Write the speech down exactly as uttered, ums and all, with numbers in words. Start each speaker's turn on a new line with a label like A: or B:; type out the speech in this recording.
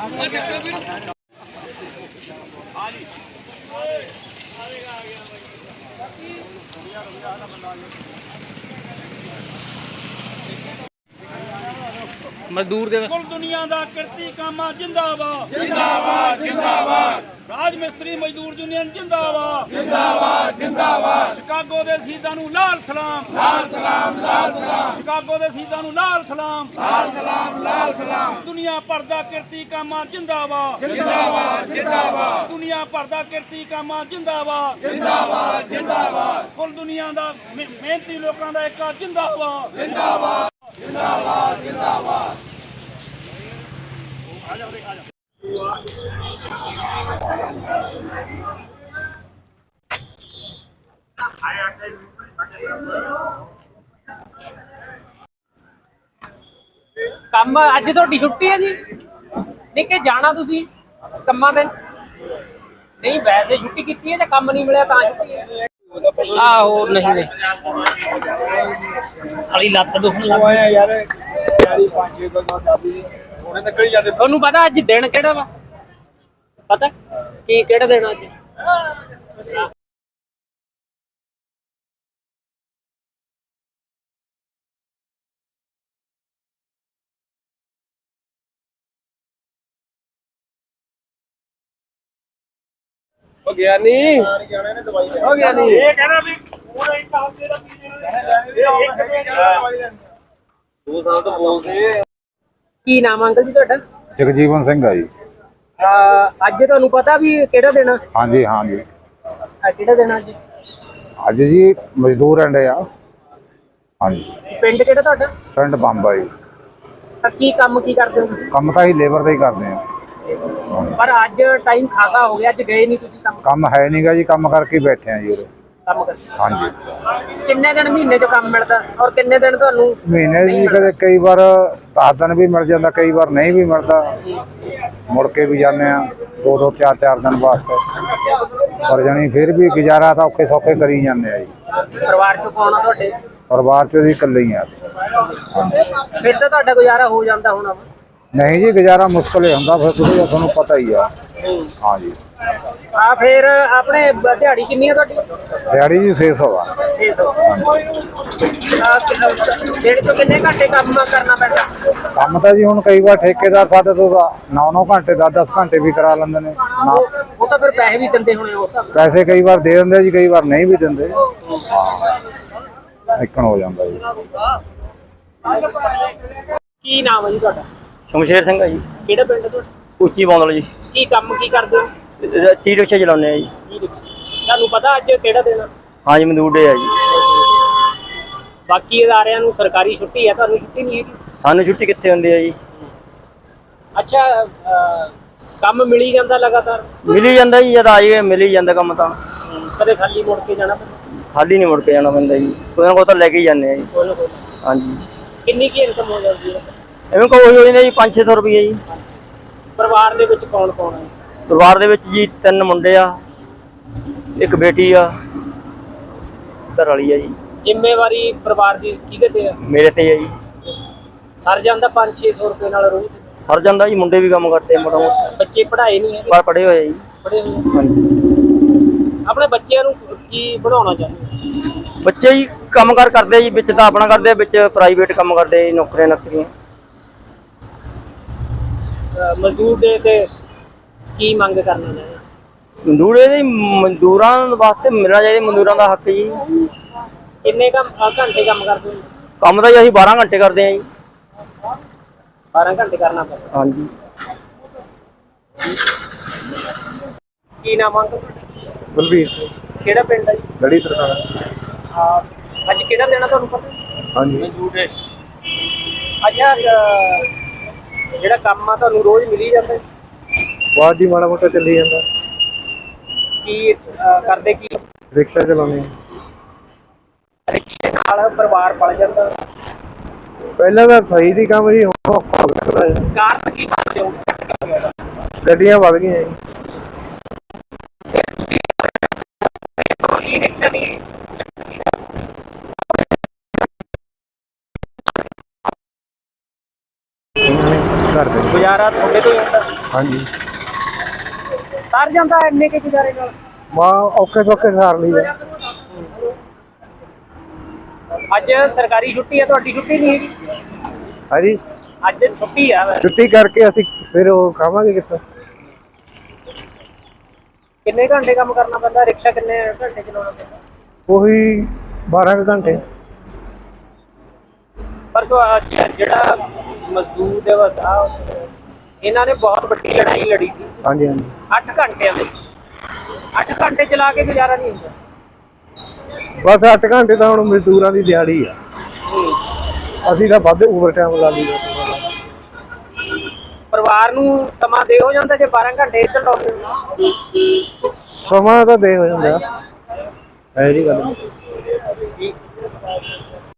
A: मजदूर दे
B: कुल दुनिया दा किरती कामा जिंदाबाद
C: जिंदाबाद जिंदाबाद
B: राज मिस्त्री मजदूर यूनियन जिंदाबाद
C: जिंदाबाद जिंदाबाद
B: शिकागो दे शहीदां नूं लाल सलाम
C: लाल सलाम लाल सलाम
B: शिकागो दे शहीदां नूं लाल सलाम
C: लाल सलाम लाल सलाम
B: दुनिया भर दा किरती कामा जिंदाबाद
C: जिंदाबाद जिंदाबाद
B: दुनिया भर दा किरती कामा जिंदाबाद
C: जिंदाबाद जिंदाबाद
B: कुल दुनिया दा मेहनती लोकां दा एक जिंदाबाद
C: जिंदाबाद जिंदाबाद जिंदाबाद
A: ਕੰਮ ਅੱਜ ਤੁਹਾਡੀ ਛੁੱਟੀ ਹੈ ਜੀ ਨਹੀਂ ਕਿ ਜਾਣਾ ਤੁਸੀਂ ਕੰਮਾਂ ਤੇ ਨਹੀਂ ਵੈਸੇ ਛੁੱਟੀ ਕੀਤੀ ਹੈ ਜਾਂ ਕੰਮ ਨਹੀਂ ਮਿਲਿਆ ਤਾਂ ਛੁੱਟੀ ਹੈ ਆਹੋ ਨਹੀਂ ਨਹੀਂ ਸਾਲੀ ਲੱਤ ਦੁਖਣ ਲੱਗ
D: ਆਇਆ ਯਾਰ ਯਾਰੀ ਪੰਜ ਛੇ ਤੋਂ ਚਾਬੀ ਸੋਨੇ ਨਿਕਲ ਜਾਂਦੇ।
A: ਤੁਹਾਨੂੰ ਪਤਾ ਅੱਜ ਦਿਨ ਕਿਹੜਾ ਵਾ ਪਤਾ ਕੀ ਕਿਹੜਾ ਦਿਨ ਅੱਜ
D: ਹੋ ਗਿਆ ਨਹੀਂ ਹੋ ਗਿਆ ਨਹੀਂ ਇਹ ਕਹਿੰਦਾ ਵੀ ਪੂਰਾ ਇੱਕ ਹਫ਼ਤੇ ਦਾ ਪੀ ਲੈਣਾ ਇਹ ਇੱਕ ਦਵਾਈ ਲੈਣੀ ਦੋ ਸਾਲ ਤੋਂ ਬੋਲਦੇ।
A: ਕੀ ਨਾਮ ਅੰਕਲ ਜੀ ਤੁਹਾਡਾ
E: ਜਗਜੀਵਨ ਸਿੰਘ ਆ ਜੀ।
A: ਅਹ ਅੱਜ ਤੁਹਾਨੂੰ ਪਤਾ ਵੀ ਕਿਹੜਾ ਦਿਨ ਆ
E: ਹਾਂਜੀ ਹਾਂਜੀ
A: ਅੱਜ ਕਿਹੜਾ ਦਿਨ ਅੱਜ
E: ਅੱਜ ਜੀ ਮਜ਼ਦੂਰ ਅੰਡੇ ਆ। ਹਾਂਜੀ
A: ਪਿੰਡ ਕਿਹੜਾ ਤੁਹਾਡਾ
E: ਪਿੰਡ ਬੰਬਾ ਜੀ।
A: ਤਾਂ ਕੀ ਕੰਮ ਕੀ ਕਰਦੇ ਹੋ ਤੁਸੀਂ
E: ਕੰਮ ਤਾਂ ਹੀ ਲੇਬਰ ਦਾ ਹੀ ਕਰਦੇ ਆ।
A: ਪਰ ਅੱਜ ਟਾਈਮ ਖਾਸਾ ਹੋ ਗਿਆ ਅੱਜ ਗਏ ਨਹੀਂ ਤੁਸੀਂ ਕੰਮ
E: ਕੰਮ ਹੈ ਨਹੀਂਗਾ ਜੀ ਕੰਮ ਕਰਕੇ ਹੀ ਬੈਠੇ ਆ ਜੀ ਉਰੇ।
A: ਕੰਮ ਕਰ
E: ਹਾਂਜੀ
A: ਕਿੰਨੇ ਦਿਨ ਮਹੀਨੇ 'ਚ ਕੰਮ ਮਿਲਦਾ ਔਰ ਕਿੰਨੇ ਦਿਨ ਤੁਹਾਨੂੰ
E: ਮਹੀਨੇ ਜੀ ਕਦੇ ਕਈ ਵਾਰ ਦਸ ਦਿਨ ਵੀ ਮਿਲ ਜਾਂਦਾ ਕਈ ਵਾਰ ਨਹੀਂ ਵੀ ਮਿਲਦਾ ਮੁੜ ਕੇ ਵੀ ਜਾਂਦੇ ਆ ਦੋ ਦੋ ਚਾਰ ਚਾਰ ਦਿਨ ਵਾਸਤੇ ਪਰ ਜਾਣੀ ਫਿਰ ਵੀ ਗੁਜ਼ਾਰਾ ਤਾਂ ਔਖੇ ਸੌਖੇ ਕਰੀ ਜਾਂਦੇ ਆ ਜੀ।
A: ਪਰਿਵਾਰ 'ਚ ਕੌਣ ਆ ਤੁਹਾਡੇ
E: ਪਰਿਵਾਰ 'ਚ ਜੀ ਇਕੱਲੇ ਹੀ ਆ।
A: ਫਿਰ ਤਾਂ ਤੁਹਾਡਾ ਗੁਜ਼ਾਰਾ ਹੋ ਜਾਂਦਾ ਹੋਣਾ ਵਾ।
E: ਨਹੀਂ ਜੀ ਗੁਜ਼ਾਰਾ ਮੁਸ਼ਕਲ ਹੀ ਹੁੰਦਾ ਫਿਰ ਤੁਸੀਂ ਤੁਹਾਨੂੰ ਪਤਾ ਹੀ ਆ। ਹਾਂਜੀ
A: ਆ ਫਿਰ ਆਪਣੇ ਬ- ਦਿਹਾੜੀ ਕਿੰਨੀ ਆ ਤੁਹਾਡੀ
E: ਦਿਹਾੜੀ ਜੀ ਛੇ ਸੌ ਆ।
A: ਛੇ ਸੌ ਦਿਨ 'ਚ ਕਿੰਨੇ ਘੰਟੇ ਕੰਮ ਕਰਨਾ ਪੈਂਦਾ
E: ਕੰਮ ਤਾਂ ਜੀ ਹੁਣ ਕਈ ਵਾਰ ਠੇਕੇਦਾਰ ਸਾਡੇ ਤੋਂ ਨੌ ਨੌ ਘੰਟੇ ਦਸ ਦਸ ਘੰਟੇ ਵੀ ਕਰਾ ਲੈਂਦੇ ਨੇ ਨਾ
A: ਉਹ ਉਹ ਤਾਂ ਫਿਰ ਪੈਸੇ ਵੀ ਦਿੰਦੇ ਹੋਣੇ ਉਸ ਹਿਸਾਬ ਨਾਲ।
E: ਪੈਸੇ ਕਈ ਵਾਰ ਦੇ ਦਿੰਦੇ ਜੀ ਕਈ ਵਾਰ ਨਹੀਂ ਵੀ ਦਿੰਦੇ। ਹਾਂ ਇੱਕਣ ਹੋ ਜਾਂਦਾ ਜੀ।
A: ਕੀ ਨਾਮ ਹੈ ਜੀ ਤੁਹਾਡਾ
F: ਸ਼ਮਸ਼ੇਰ ਸਿੰਘ ਹੈ ਜੀ।
A: ਕਿਹੜਾ ਪਿੰਡ ਤੁਹਾਡਾ
F: ਉੱਚੀ ਬੌਂਦਲ ਜੀ।
A: ਕੀ ਕੰਮ ਕੀ ਕਰਦੇ ਹੋ
F: ਟੀ ਰਿਕਸ਼ਾ ਚਲਾਉਂਦੇ ਆ ਜੀ।
A: ਕੀ ਦੇਖੋ। ਤੁਹਾਨੂੰ ਪਤਾ ਅੱਜ ਕਿਹੜਾ ਦਿਨ ਆ?
F: ਹਾਂਜੀ ਮਜ਼ਦੂਰ ਡੇ ਆ ਜੀ।
A: ਬਾਕੀ ਅਦਾਰਿਆਂ ਨੂੰ ਸਰਕਾਰੀ ਛੁੱਟੀ ਹੈ ਤੁਹਾਨੂੰ ਛੁੱਟੀ ਨਹੀਂ ਹੈਗੀ।
F: ਸਾਨੂੰ ਛੁੱਟੀ ਕਿੱਥੇ ਹੁੰਦੀ ਹੈ ਜੀ।
A: ਅੱਛਾ ਅਹ, ਕੰਮ ਮਿਲੀ ਜਾਂਦਾ ਲਗਾਤਾਰ
F: ਮਿਲ ਹੀ ਜਾਂਦਾ ਜੀ ਜਦ ਆ ਜਾਈਏ ਮਿਲ ਹੀ ਜਾਂਦਾ ਕੰਮ ਤਾਂ
A: ਕਦੇ ਖਾਲੀ ਮੁੜ ਕੇ ਜਾਣਾ ਪੈਂਦਾ
F: ਖਾਲੀ ਨਹੀਂ ਮੁੜ ਕੇ ਜਾਣਾ ਪੈਂਦਾ ਜੀ ਕੋਈ ਨਾ ਕੋਈ ਤਾਂ ਲੈ ਕੇ ਹੀ ਜਾਂਦੇ ਆ ਜੀ।
A: ਕੋਈ ਨਾ ਕੋਈ।
F: ਹਾਂਜੀ
A: ਕਿੰਨੀ ਕੀ ਇਨਕਮ ਹੋ ਜਾਂਦੀ ਹੈ
F: ਐਵੇਂ ਕੋਈ ਹੋਈ ਨੇ ਜੀ ਪੰਜ ਛੇ ਸੌ ਰੁਪਏ ਜੀ।
A: ਪਰਿਵਾਰ ਦੇ ਵਿੱਚ ਕੌਣ ਕੌਣ ਹੈ
F: ਪਰਿਵਾਰ ਦੇ ਵਿੱਚ ਜੀ ਤਿੰਨ ਮੁੰਡੇ ਆ ਇੱਕ ਬੇਟੀ ਆ ਘਰ ਵਾਲੀ ਆ ਜੀ।
A: ਜ਼ਿੰਮੇਵਾਰੀ ਪਰਿਵਾਰ ਦੀ ਕਿਹਦੇ ਤੇ ਆ
F: ਮੇਰੇ ਤੇ ਆ ਜੀ।
A: ਸਰ ਜਾਂਦਾ ਪੰਜ ਛੇ ਸੌ ਰੁਪਏ ਨਾਲ ਰੋਜ਼
F: ਸਰ ਜਾਂਦਾ ਜੀ ਮੁੰਡੇ ਵੀ ਕੰਮ ਕਰਦੇ ਮੋਟਾ ਮੋਟਾ
A: ਬੱਚੇ ਪੜ੍ਹਾਏ ਨਹੀਂ ਹੈਗੇ
F: ਪਰ ਪੜ੍ਹੇ ਹੋਏ ਆ ਜੀ।
A: ਪੜ੍ਹੇ ਹੋਏ ਆ।
F: ਹਾਂਜੀ
A: ਆਪਣੇ ਬੱਚਿਆਂ ਨੂੰ ਕੀ ਬਣਾਉਣਾ ਚਾਹੁੰਦੇ
F: ਬੱਚੇ ਜੀ ਕੰਮ ਕਾਰ ਕਰਦੇ ਆ ਜੀ ਵਿੱਚ ਤਾਂ ਆਪਣਾ ਕਰਦੇ ਆ ਵਿੱਚ ਪ੍ਰਾਈਵੇਟ ਕੰਮ ਕਰਦੇ ਆ ਜੀ ਨੌਕਰੀਆਂ ਨੌਕਰੀਆਂ।
A: ਅਹ, ਮਜ਼ਦੂਰ ਦੇ ਤੇ ਕੀ ਮੰਗ ਕਰਨਾ ਚਾਹੁੰਦੇ
F: ਮਜ਼ਦੂਰ ਇਹਦੇ ਮਜ਼ਦੂਰਾਂ ਵਾਸਤੇ ਮਿਲਣਾ ਚਾਹੀਦਾ ਮਜ਼ਦੂਰਾਂ ਦਾ ਹੱਕ ਜੀ।
A: ਕਿੰਨੇ ਕੰਮ ਅਹ, ਘੰਟੇ ਕੰਮ ਕਰਦੇ ਹੋ
F: ਕੰਮ ਤਾਂ ਜੀ ਅਸੀਂ ਬਾਰਾਂ ਘੰਟੇ ਕਰਦੇ ਆ ਜੀ।
A: ਬਾਰਾਂ ਘੰਟੇ ਕਰਨਾ ਪੈਂਦਾ
F: ਹਾਂਜੀ
A: ਕੀ ਨਾਮ ਅੰਕਲ
E: ਬਲਵੀਰ
A: ਕਿਹੜਾ ਪਿੰਡ ਹੈ ਜੀ
E: ਗੜੀ ਤਰ੍ਹਾਂ
A: ਹਾਂ, ਅੱਜ ਕਿਹੜਾ ਦੇਣਾ ਤੁਹਾਨੂੰ ਪਤਾ
E: ਹਾਂਜੀ
A: ਅੱਛਾ ਅਹ, ਜਿਹੜਾ ਕੰਮ ਆ ਤੁਹਾਨੂੰ ਰੋਜ਼ ਮਿਲੀ ਜਾਂਦਾ ਹੈ?
E: ਬਾਅਦ ਜੀ ਮਾੜਾ ਮੋਟਾ ਚੱਲੀ ਜਾਂਦਾ
A: ਕੀ ਅਹ, ਕਰਦੇ ਕੀ
E: ਰਿਕਸ਼ਾ ਚਲਾਉਂਦੇ
A: ਰਿਕਸ਼ੇ ਨਾਲ ਪਰਿਵਾਰ ਪਲ ਜਾਂਦਾ
E: ਪਹਿਲਾਂ ਤਾਂ ਸਹੀ ਦੀ ਕੰਮ ਜੀ ਹੁਣ ਔਖਾ ਹੋ ਗਿਆ।
A: ਕਾਰਨ ਕੀ ਮੰਨਦੇ ਹੋ
E: ਗੱਡੀਆਂ ਵੱਧ ਗਈਆਂ ਜੀ।
A: ਇਹ ਰਿਕਸ਼ਾ ਨਹੀਂ
E: ਘਰ ਦੇ
A: ਗੁਜ਼ਾਰਾ ਤੁਹਾਡੇ ਤੋਂ ਹੀ ਹੁੰਦਾ
E: ਹਾਂਜੀ
A: ਸਰ ਜਾਂਦਾ ਇੰਨੇ ਕੇ ਗੁਜ਼ਾਰੇ ਨਾਲ?
E: ਮਾ ਔਖੇ ਸੌਖੇ ਸਾਰ ਲਈ ਆ।
A: ਅੱਜ ਸਰਕਾਰੀ ਛੁੱਟੀ ਹੈ, ਤੁਹਾਡੀ ਛੁੱਟੀ ਨਹੀਂ ਹੈਗੀ?
E: ਹਾਂਜੀ
A: ਅੱਜ ਛੁੱਟੀ ਆ ਵੈਸੇ।
E: ਛੁੱਟੀ ਕਰਕੇ ਅਸੀਂ ਫਿਰ ਉਹ ਖਾਵਾਂਗੇ ਕਿੱਥੋਂ?
A: ਕਿੰਨੇ ਘੰਟੇ ਕੰਮ ਕਰਨਾ ਪੈਂਦਾ? ਰਿਕਸ਼ਾ ਕਿੰਨੇ ਘੰਟੇ ਚਲਾਉਣਾ ਪੈਂਦਾ?
E: ਉਹੀ ਬਾਰਾਂ ਕੁ ਘੰਟੇ।
A: ਪਰ ਜੋ ਅੱਜ ਜਿਹੜਾ ਮਜ਼ਦੂਰ ਦਿਵਸ ਆ, ਇਹਨਾਂ ਨੇ ਬਹੁਤ ਵੱਡੀ ਲੜਾਈ ਲੜੀ ਸੀ।
E: ਹਾਂਜੀ ਹਾਂਜੀ
A: ਅੱਠ ਘੰਟਿਆਂ ਦੇ ਅੱਠ ਘੰਟੇ ਚਲਾ ਕੇ ਗੁਜ਼ਾਰਾ ਨਹੀਂ ਹੁੰਦਾ।
E: ਬਸ ਅੱਠ ਘੰਟੇ ਤਾਂ ਹੁਣ ਮਜ਼ਦੂਰਾਂ ਦੀ ਦਿਹਾੜੀ ਆ। ਅਸੀਂ ਤਾਂ ਵੱਧ ਓਵਰ ਟਾਈਮ ਲਾ ਲਈਏ।
A: ਪਰਿਵਾਰ ਨੂੰ ਸਮਾਂ ਦੇ ਹੋ ਜਾਂਦਾ ਜੇ ਬਾਰਾਂ ਘੰਟੇ ਇੱਧਰ ਲਾਉਂਦੇ ਹੋ?
E: ਸਮਾਂ ਤਾਂ ਦੇ ਹੋ ਜਾਂਦਾ, ਇਹ ਜੀ ਗੱਲ ਨਹੀਂ।